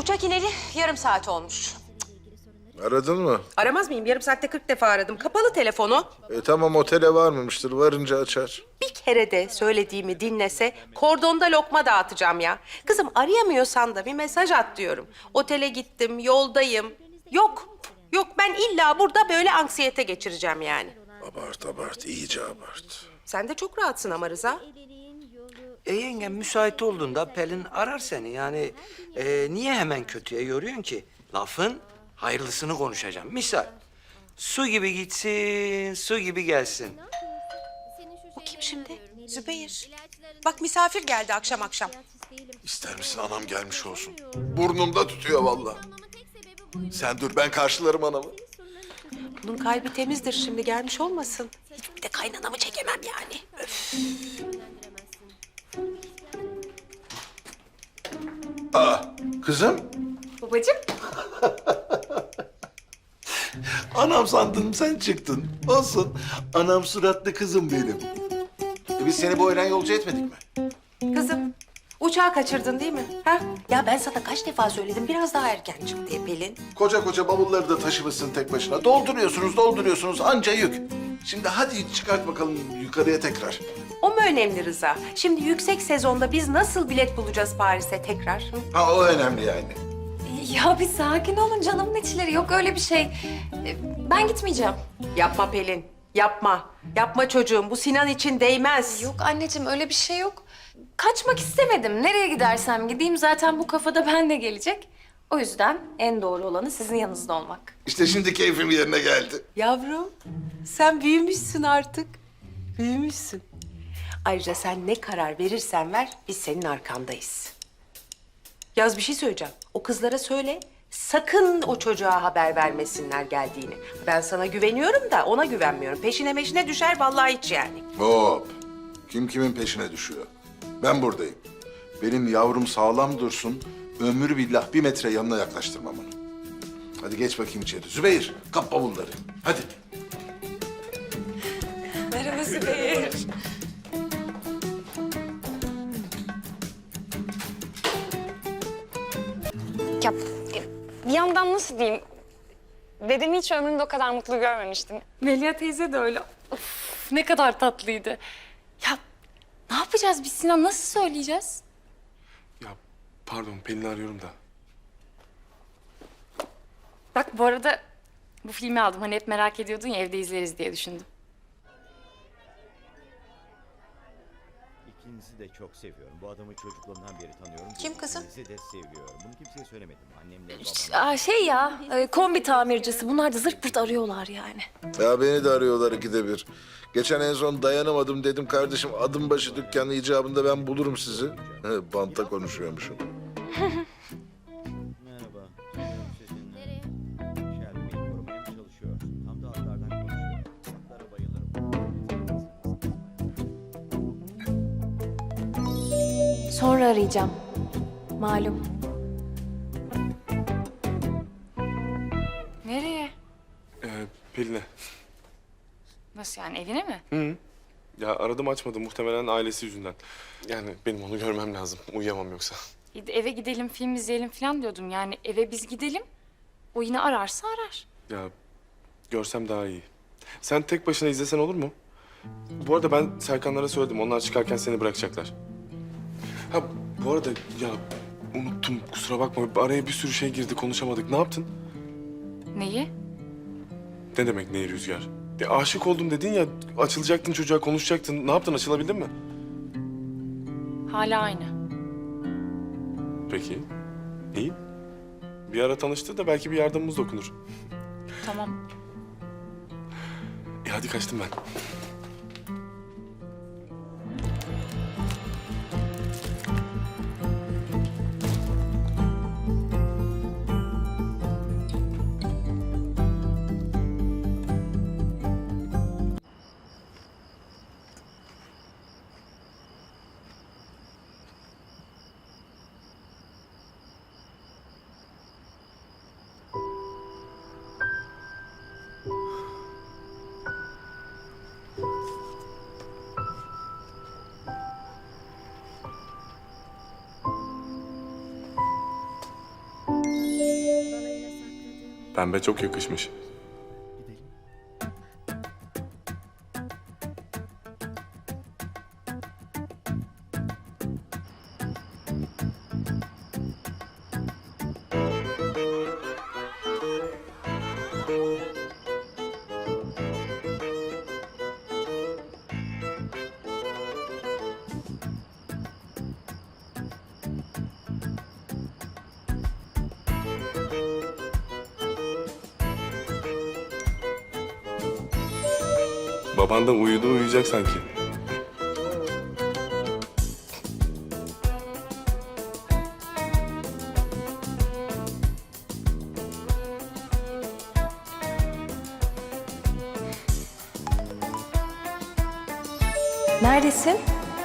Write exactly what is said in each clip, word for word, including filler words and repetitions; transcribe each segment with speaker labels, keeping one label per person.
Speaker 1: Uçak ineli yarım saat olmuş.
Speaker 2: Aradın mı?
Speaker 3: Aramaz mıyım? Yarım saatte kırk defa aradım. Kapalı telefonu.
Speaker 2: E tamam, otele varmamıştır. Varınca açar.
Speaker 3: Bir kere de söylediğimi dinlese kordonda lokma dağıtacağım ya. Kızım arayamıyorsan da bir mesaj at diyorum. Otele gittim, yoldayım. Yok, yok ben illa burada böyle anksiyete geçireceğim yani.
Speaker 2: Abart abart, iyice abart.
Speaker 3: Sen de çok rahatsın ama Rıza.
Speaker 4: E yengem müsait olduğunda Pelin arar seni. Yani e, niye hemen kötüye yoruyorsun ki? Lafın hayırlısını konuşacağım. Misal, su gibi gitsin, su gibi gelsin.
Speaker 3: O kim şimdi? Zübeyir. Bak misafir geldi akşam akşam.
Speaker 2: İster misin anam gelmiş olsun? Burnumda tutuyor vallahi. Sen dur, ben karşılarım anamı.
Speaker 3: Bunun kalbi temizdir şimdi gelmiş olmasın. Bir de kaynanamı çekemem yani. Öf.
Speaker 2: Aa, kızım.
Speaker 1: Babacığım.
Speaker 2: Anam sandım, sen çıktın. Olsun. Anam suratlı kızım benim. E biz seni bu öğlen yolcu etmedik mi?
Speaker 3: Kızım, uçağı kaçırdın değil mi? Ha? Ya ben sana kaç defa söyledim biraz daha erken çık diye Pelin.
Speaker 2: Koca koca bavulları da taşımışsın tek başına. Dolduruyorsunuz, dolduruyorsunuz. Anca yük. Şimdi hadi çıkart bakalım yukarıya tekrar.
Speaker 3: O mu önemli Rıza? Şimdi yüksek sezonda biz nasıl bilet bulacağız Paris'e tekrar? Hı?
Speaker 2: Ha, o önemli yani.
Speaker 1: Ya bir sakin olun canımın içleri. Yok öyle bir şey. Ee, Ben gitmeyeceğim.
Speaker 3: Yapma Pelin, yapma. Yapma çocuğum, bu Sinan için değmez.
Speaker 1: Yok anneciğim öyle bir şey yok. Kaçmak istemedim. Nereye gidersem gideyim zaten bu kafada ben de gelecek. O yüzden en doğru olanı sizin yanınızda olmak.
Speaker 2: İşte şimdi keyfim yerine geldi.
Speaker 3: Yavrum, sen büyümüşsün artık. Büyümüşsün. Ayrıca sen ne karar verirsen ver, biz senin arkandayız. Yaz bir şey söyleyeceğim. O kızlara söyle, sakın o çocuğa haber vermesinler geldiğini. Ben sana güveniyorum da ona güvenmiyorum. Peşine meşine düşer vallahi hiç yani.
Speaker 2: Hop. Kim kimin peşine düşüyor? Ben buradayım. Benim yavrum sağlam dursun. Ömür billah bir metre yanına yaklaştırmam onu. Hadi geç bakayım içeri. Zübeyir, kap bavulları. Hadi.
Speaker 1: Merhaba Zübeyir.
Speaker 5: Ya bir yandan nasıl diyeyim? Dedemi hiç ömrümde o kadar mutlu görmemiştim.
Speaker 1: Melia teyze de öyle. Of, ne kadar tatlıydı. Ya ne yapacağız biz Sinan? Nasıl söyleyeceğiz?
Speaker 6: Ya pardon, Pelin'i arıyorum da.
Speaker 1: Bak bu arada bu filmi aldım. Hani hep merak ediyordun ya evde izleriz diye düşündüm.
Speaker 7: İkinizi de çok seviyorum. Bu adamı çocukluğumdan beri tanıyorum.
Speaker 3: Kim kızım?
Speaker 7: İkinizi de seviyorum. Bunu kimseye söylemedim. Annemle babam.
Speaker 1: Aa, şey ya e, kombi tamircisi. Bunlar da zırt pırt arıyorlar yani.
Speaker 2: Ya beni de arıyorlar ikide bir. Geçen en son dayanamadım, dedim kardeşim adım başı dükkanı icabında ben bulurum sizi. He, banta konuşuyormuşum.
Speaker 7: Merhaba. Sanıyorum sizinle Shelby'yi korumaya mı çalışıyorsun? Tam da atlardan konuşuyor. Atlara bayılırım.
Speaker 1: Sonra arayacağım. Malum. Nereye?
Speaker 6: Ee, Pelin'e.
Speaker 1: Nasıl yani evine mi?
Speaker 6: Hı. Ya aradım, açmadı, muhtemelen ailesi yüzünden. Yani benim onu görmem lazım. Uyuyamam yoksa.
Speaker 1: Eve gidelim film izleyelim falan diyordum. Yani eve biz gidelim. O yine ararsa arar.
Speaker 6: Ya görsem daha iyi. Sen tek başına izlesen olur mu? Bu arada ben Serkanlara söyledim. Onlar çıkarken seni bırakacaklar. Ha bu arada ya unuttum, kusura bakma. Araya bir sürü şey girdi, konuşamadık. Ne yaptın?
Speaker 1: Neyi?
Speaker 6: Ne demek neyi Rüzgar? Ya aşık oldum dedin ya, açılacaktın çocuğa, konuşacaktın. Ne yaptın, açılabildin mi?
Speaker 1: Hala aynı.
Speaker 6: Peki, iyi. Bir ara tanıştı da belki bir yardımımız dokunur.
Speaker 1: Tamam.
Speaker 6: E hadi kaçtım ben. Pembe çok yakışmış. Baban da uyudu uyuyacak sanki.
Speaker 1: Neredesin?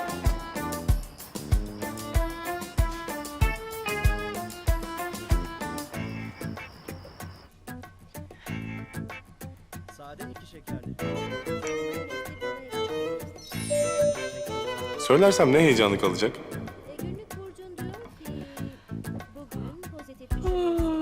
Speaker 7: Sade iki şekerli.
Speaker 6: Söylersem ne heyecanlı kalacak?
Speaker 8: Günlük burcun diyor ki bugün pozitif bir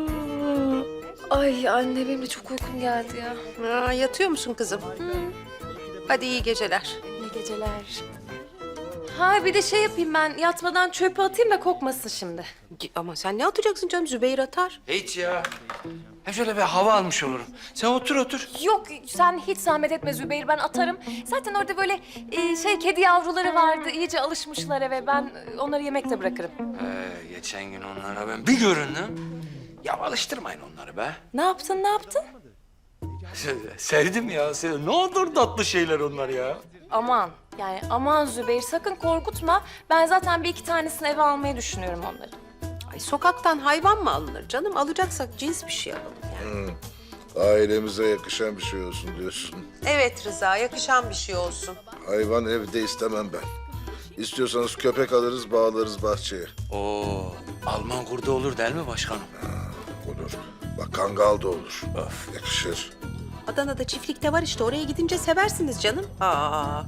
Speaker 1: Ay anne benim de çok uykum geldi ya.
Speaker 3: Aa, yatıyor musun kızım? Hadi iyi geceler.
Speaker 1: Ne geceler. Ha bir de şey yapayım ben yatmadan çöpe atayım da kokmasın şimdi.
Speaker 3: Ama sen ne atacaksın canım? Zübeyir atar.
Speaker 4: Hiç ya. Hem şöyle bir hava almış olurum. Sen otur otur.
Speaker 1: Yok sen hiç zahmet etme Zübeyir ben atarım. Zaten orada böyle e, şey kedi yavruları vardı iyice alışmışlar eve ben e, onları yemekte bırakırım.
Speaker 4: Ee, geçen gün onlara ben bir göründüm. Ya alıştırmayın onları be.
Speaker 1: Ne yaptın ne yaptın?
Speaker 4: Sevdim ya. Sevdim. Ne olur tatlı şeyler onlar ya.
Speaker 1: Aman yani aman Zübeyir sakın korkutma. Ben zaten bir iki tanesini eve almayı düşünüyorum onları.
Speaker 3: Ay sokaktan hayvan mı alınır canım? Alacaksak cins bir şey alalım yani.
Speaker 2: Ailemize yakışan bir şey olsun diyorsun.
Speaker 3: Evet Rıza, yakışan bir şey olsun.
Speaker 2: Hayvan evde istemem ben. İstiyorsanız köpek alırız, bağlarız bahçeye.
Speaker 4: Oo, Alman kurdu olur değil mi başkanım?
Speaker 2: Olur. Bak kangal da olur.
Speaker 4: Of.
Speaker 2: Yakışır.
Speaker 3: Adana'da çiftlikte var işte. Oraya gidince seversiniz canım. Aa.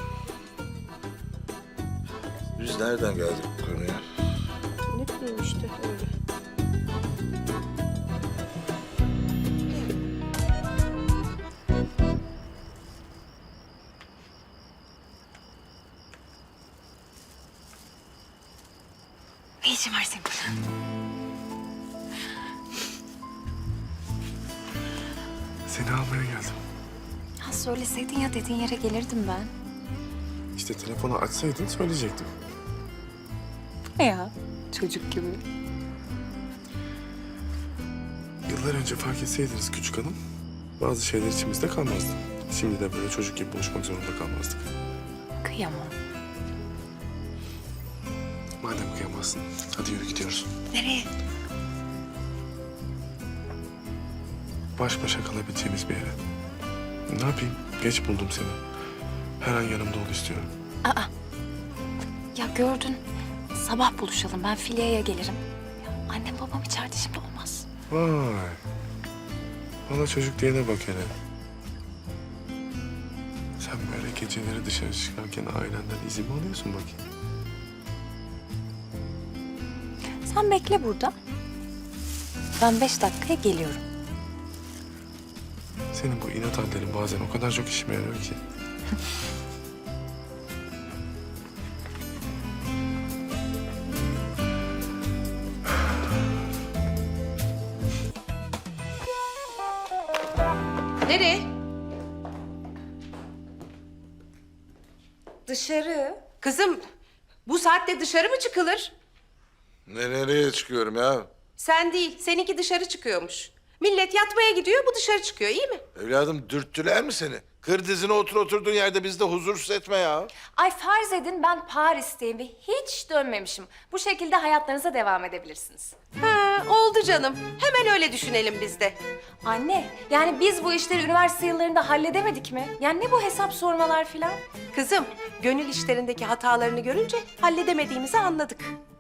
Speaker 2: Biz nereden geldik bu konuya?
Speaker 3: Ne bileyim işte öyle.
Speaker 1: Ne işin var senin burada?
Speaker 6: Seni almaya geldim.
Speaker 1: Ya söyleseydin ya dediğin yere gelirdim ben.
Speaker 6: İşte telefonu açsaydın söyleyecektim.
Speaker 1: Ne ya? Çocuk gibi.
Speaker 6: Yıllar önce fark etseydiniz küçük hanım, bazı şeyler içimizde kalmazdı. Şimdi de böyle çocuk gibi buluşmak zorunda kalmazdık.
Speaker 1: Kıyamam.
Speaker 6: Madem kıyamazsın, hadi yürü gidiyoruz.
Speaker 1: Nereye?
Speaker 6: Baş başa kalabileceğimiz bir yere. Ne yapayım? Geç buldum seni. Her an yanımda ol istiyorum.
Speaker 1: Ya gördün. Sabah buluşalım. Ben Filya'ya gelirim. Ya annem babam içeride şimdi olmaz.
Speaker 6: Vay. Bana çocuk diyene bak hele. Sen böyle geceleri dışarı çıkarken ailenden izin mi alıyorsun bakayım?
Speaker 1: Sen bekle burada. Ben beş dakikaya geliyorum.
Speaker 6: Senin bu inat hallerin bazen o kadar çok işime yarıyor ki.
Speaker 3: Nereye?
Speaker 1: Dışarı.
Speaker 3: Kızım, bu saatte dışarı mı çıkılır?
Speaker 2: Ne, nereye çıkıyorum ya?
Speaker 3: Sen değil, seninki dışarı çıkıyormuş. Millet yatmaya gidiyor, bu dışarı çıkıyor, iyi mi?
Speaker 2: Evladım dürttüler mi seni? Kır dizine otur oturduğun yerde bizi de huzursuz etme ya.
Speaker 1: Ay farz edin ben Paris'teyim ve hiç dönmemişim. Bu şekilde hayatlarınıza devam edebilirsiniz.
Speaker 3: Ha, oldu canım. Hemen öyle düşünelim biz de.
Speaker 1: Anne, yani biz bu işleri üniversite yıllarında halledemedik mi? Yani ne bu hesap sormalar filan?
Speaker 3: Kızım, gönül işlerindeki hatalarını görünce halledemediğimizi anladık.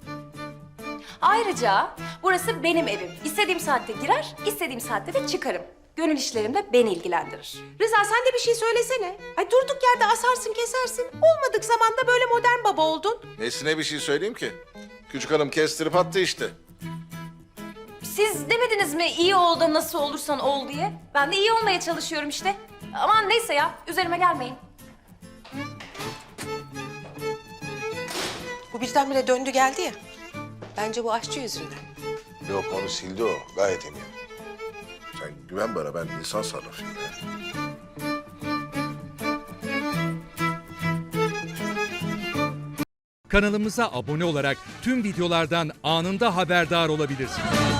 Speaker 1: Ayrıca burası benim evim. İstediğim saatte girer, istediğim saatte de çıkarım. Gönül işlerim de beni ilgilendirir.
Speaker 3: Rıza sen de bir şey söylesene. Ay durduk yerde asarsın kesersin. Olmadık zamanda böyle modern baba oldun.
Speaker 2: Nesine bir şey söyleyeyim ki? Küçük hanım kestirip attı işte.
Speaker 1: siz demediniz mi iyi ol da nasıl olursan ol diye? Ben de iyi olmaya çalışıyorum işte. Aman neyse ya, üzerime gelmeyin.
Speaker 3: Bu birdenbire döndü geldi ya. Bence bu aşçı yüzünden.
Speaker 2: Yok onu sildi o. Gayet eminim. Sen güven bana ben insan sarrafıyım ya.
Speaker 9: Kanalımıza abone olarak tüm videolardan anında haberdar olabilirsiniz.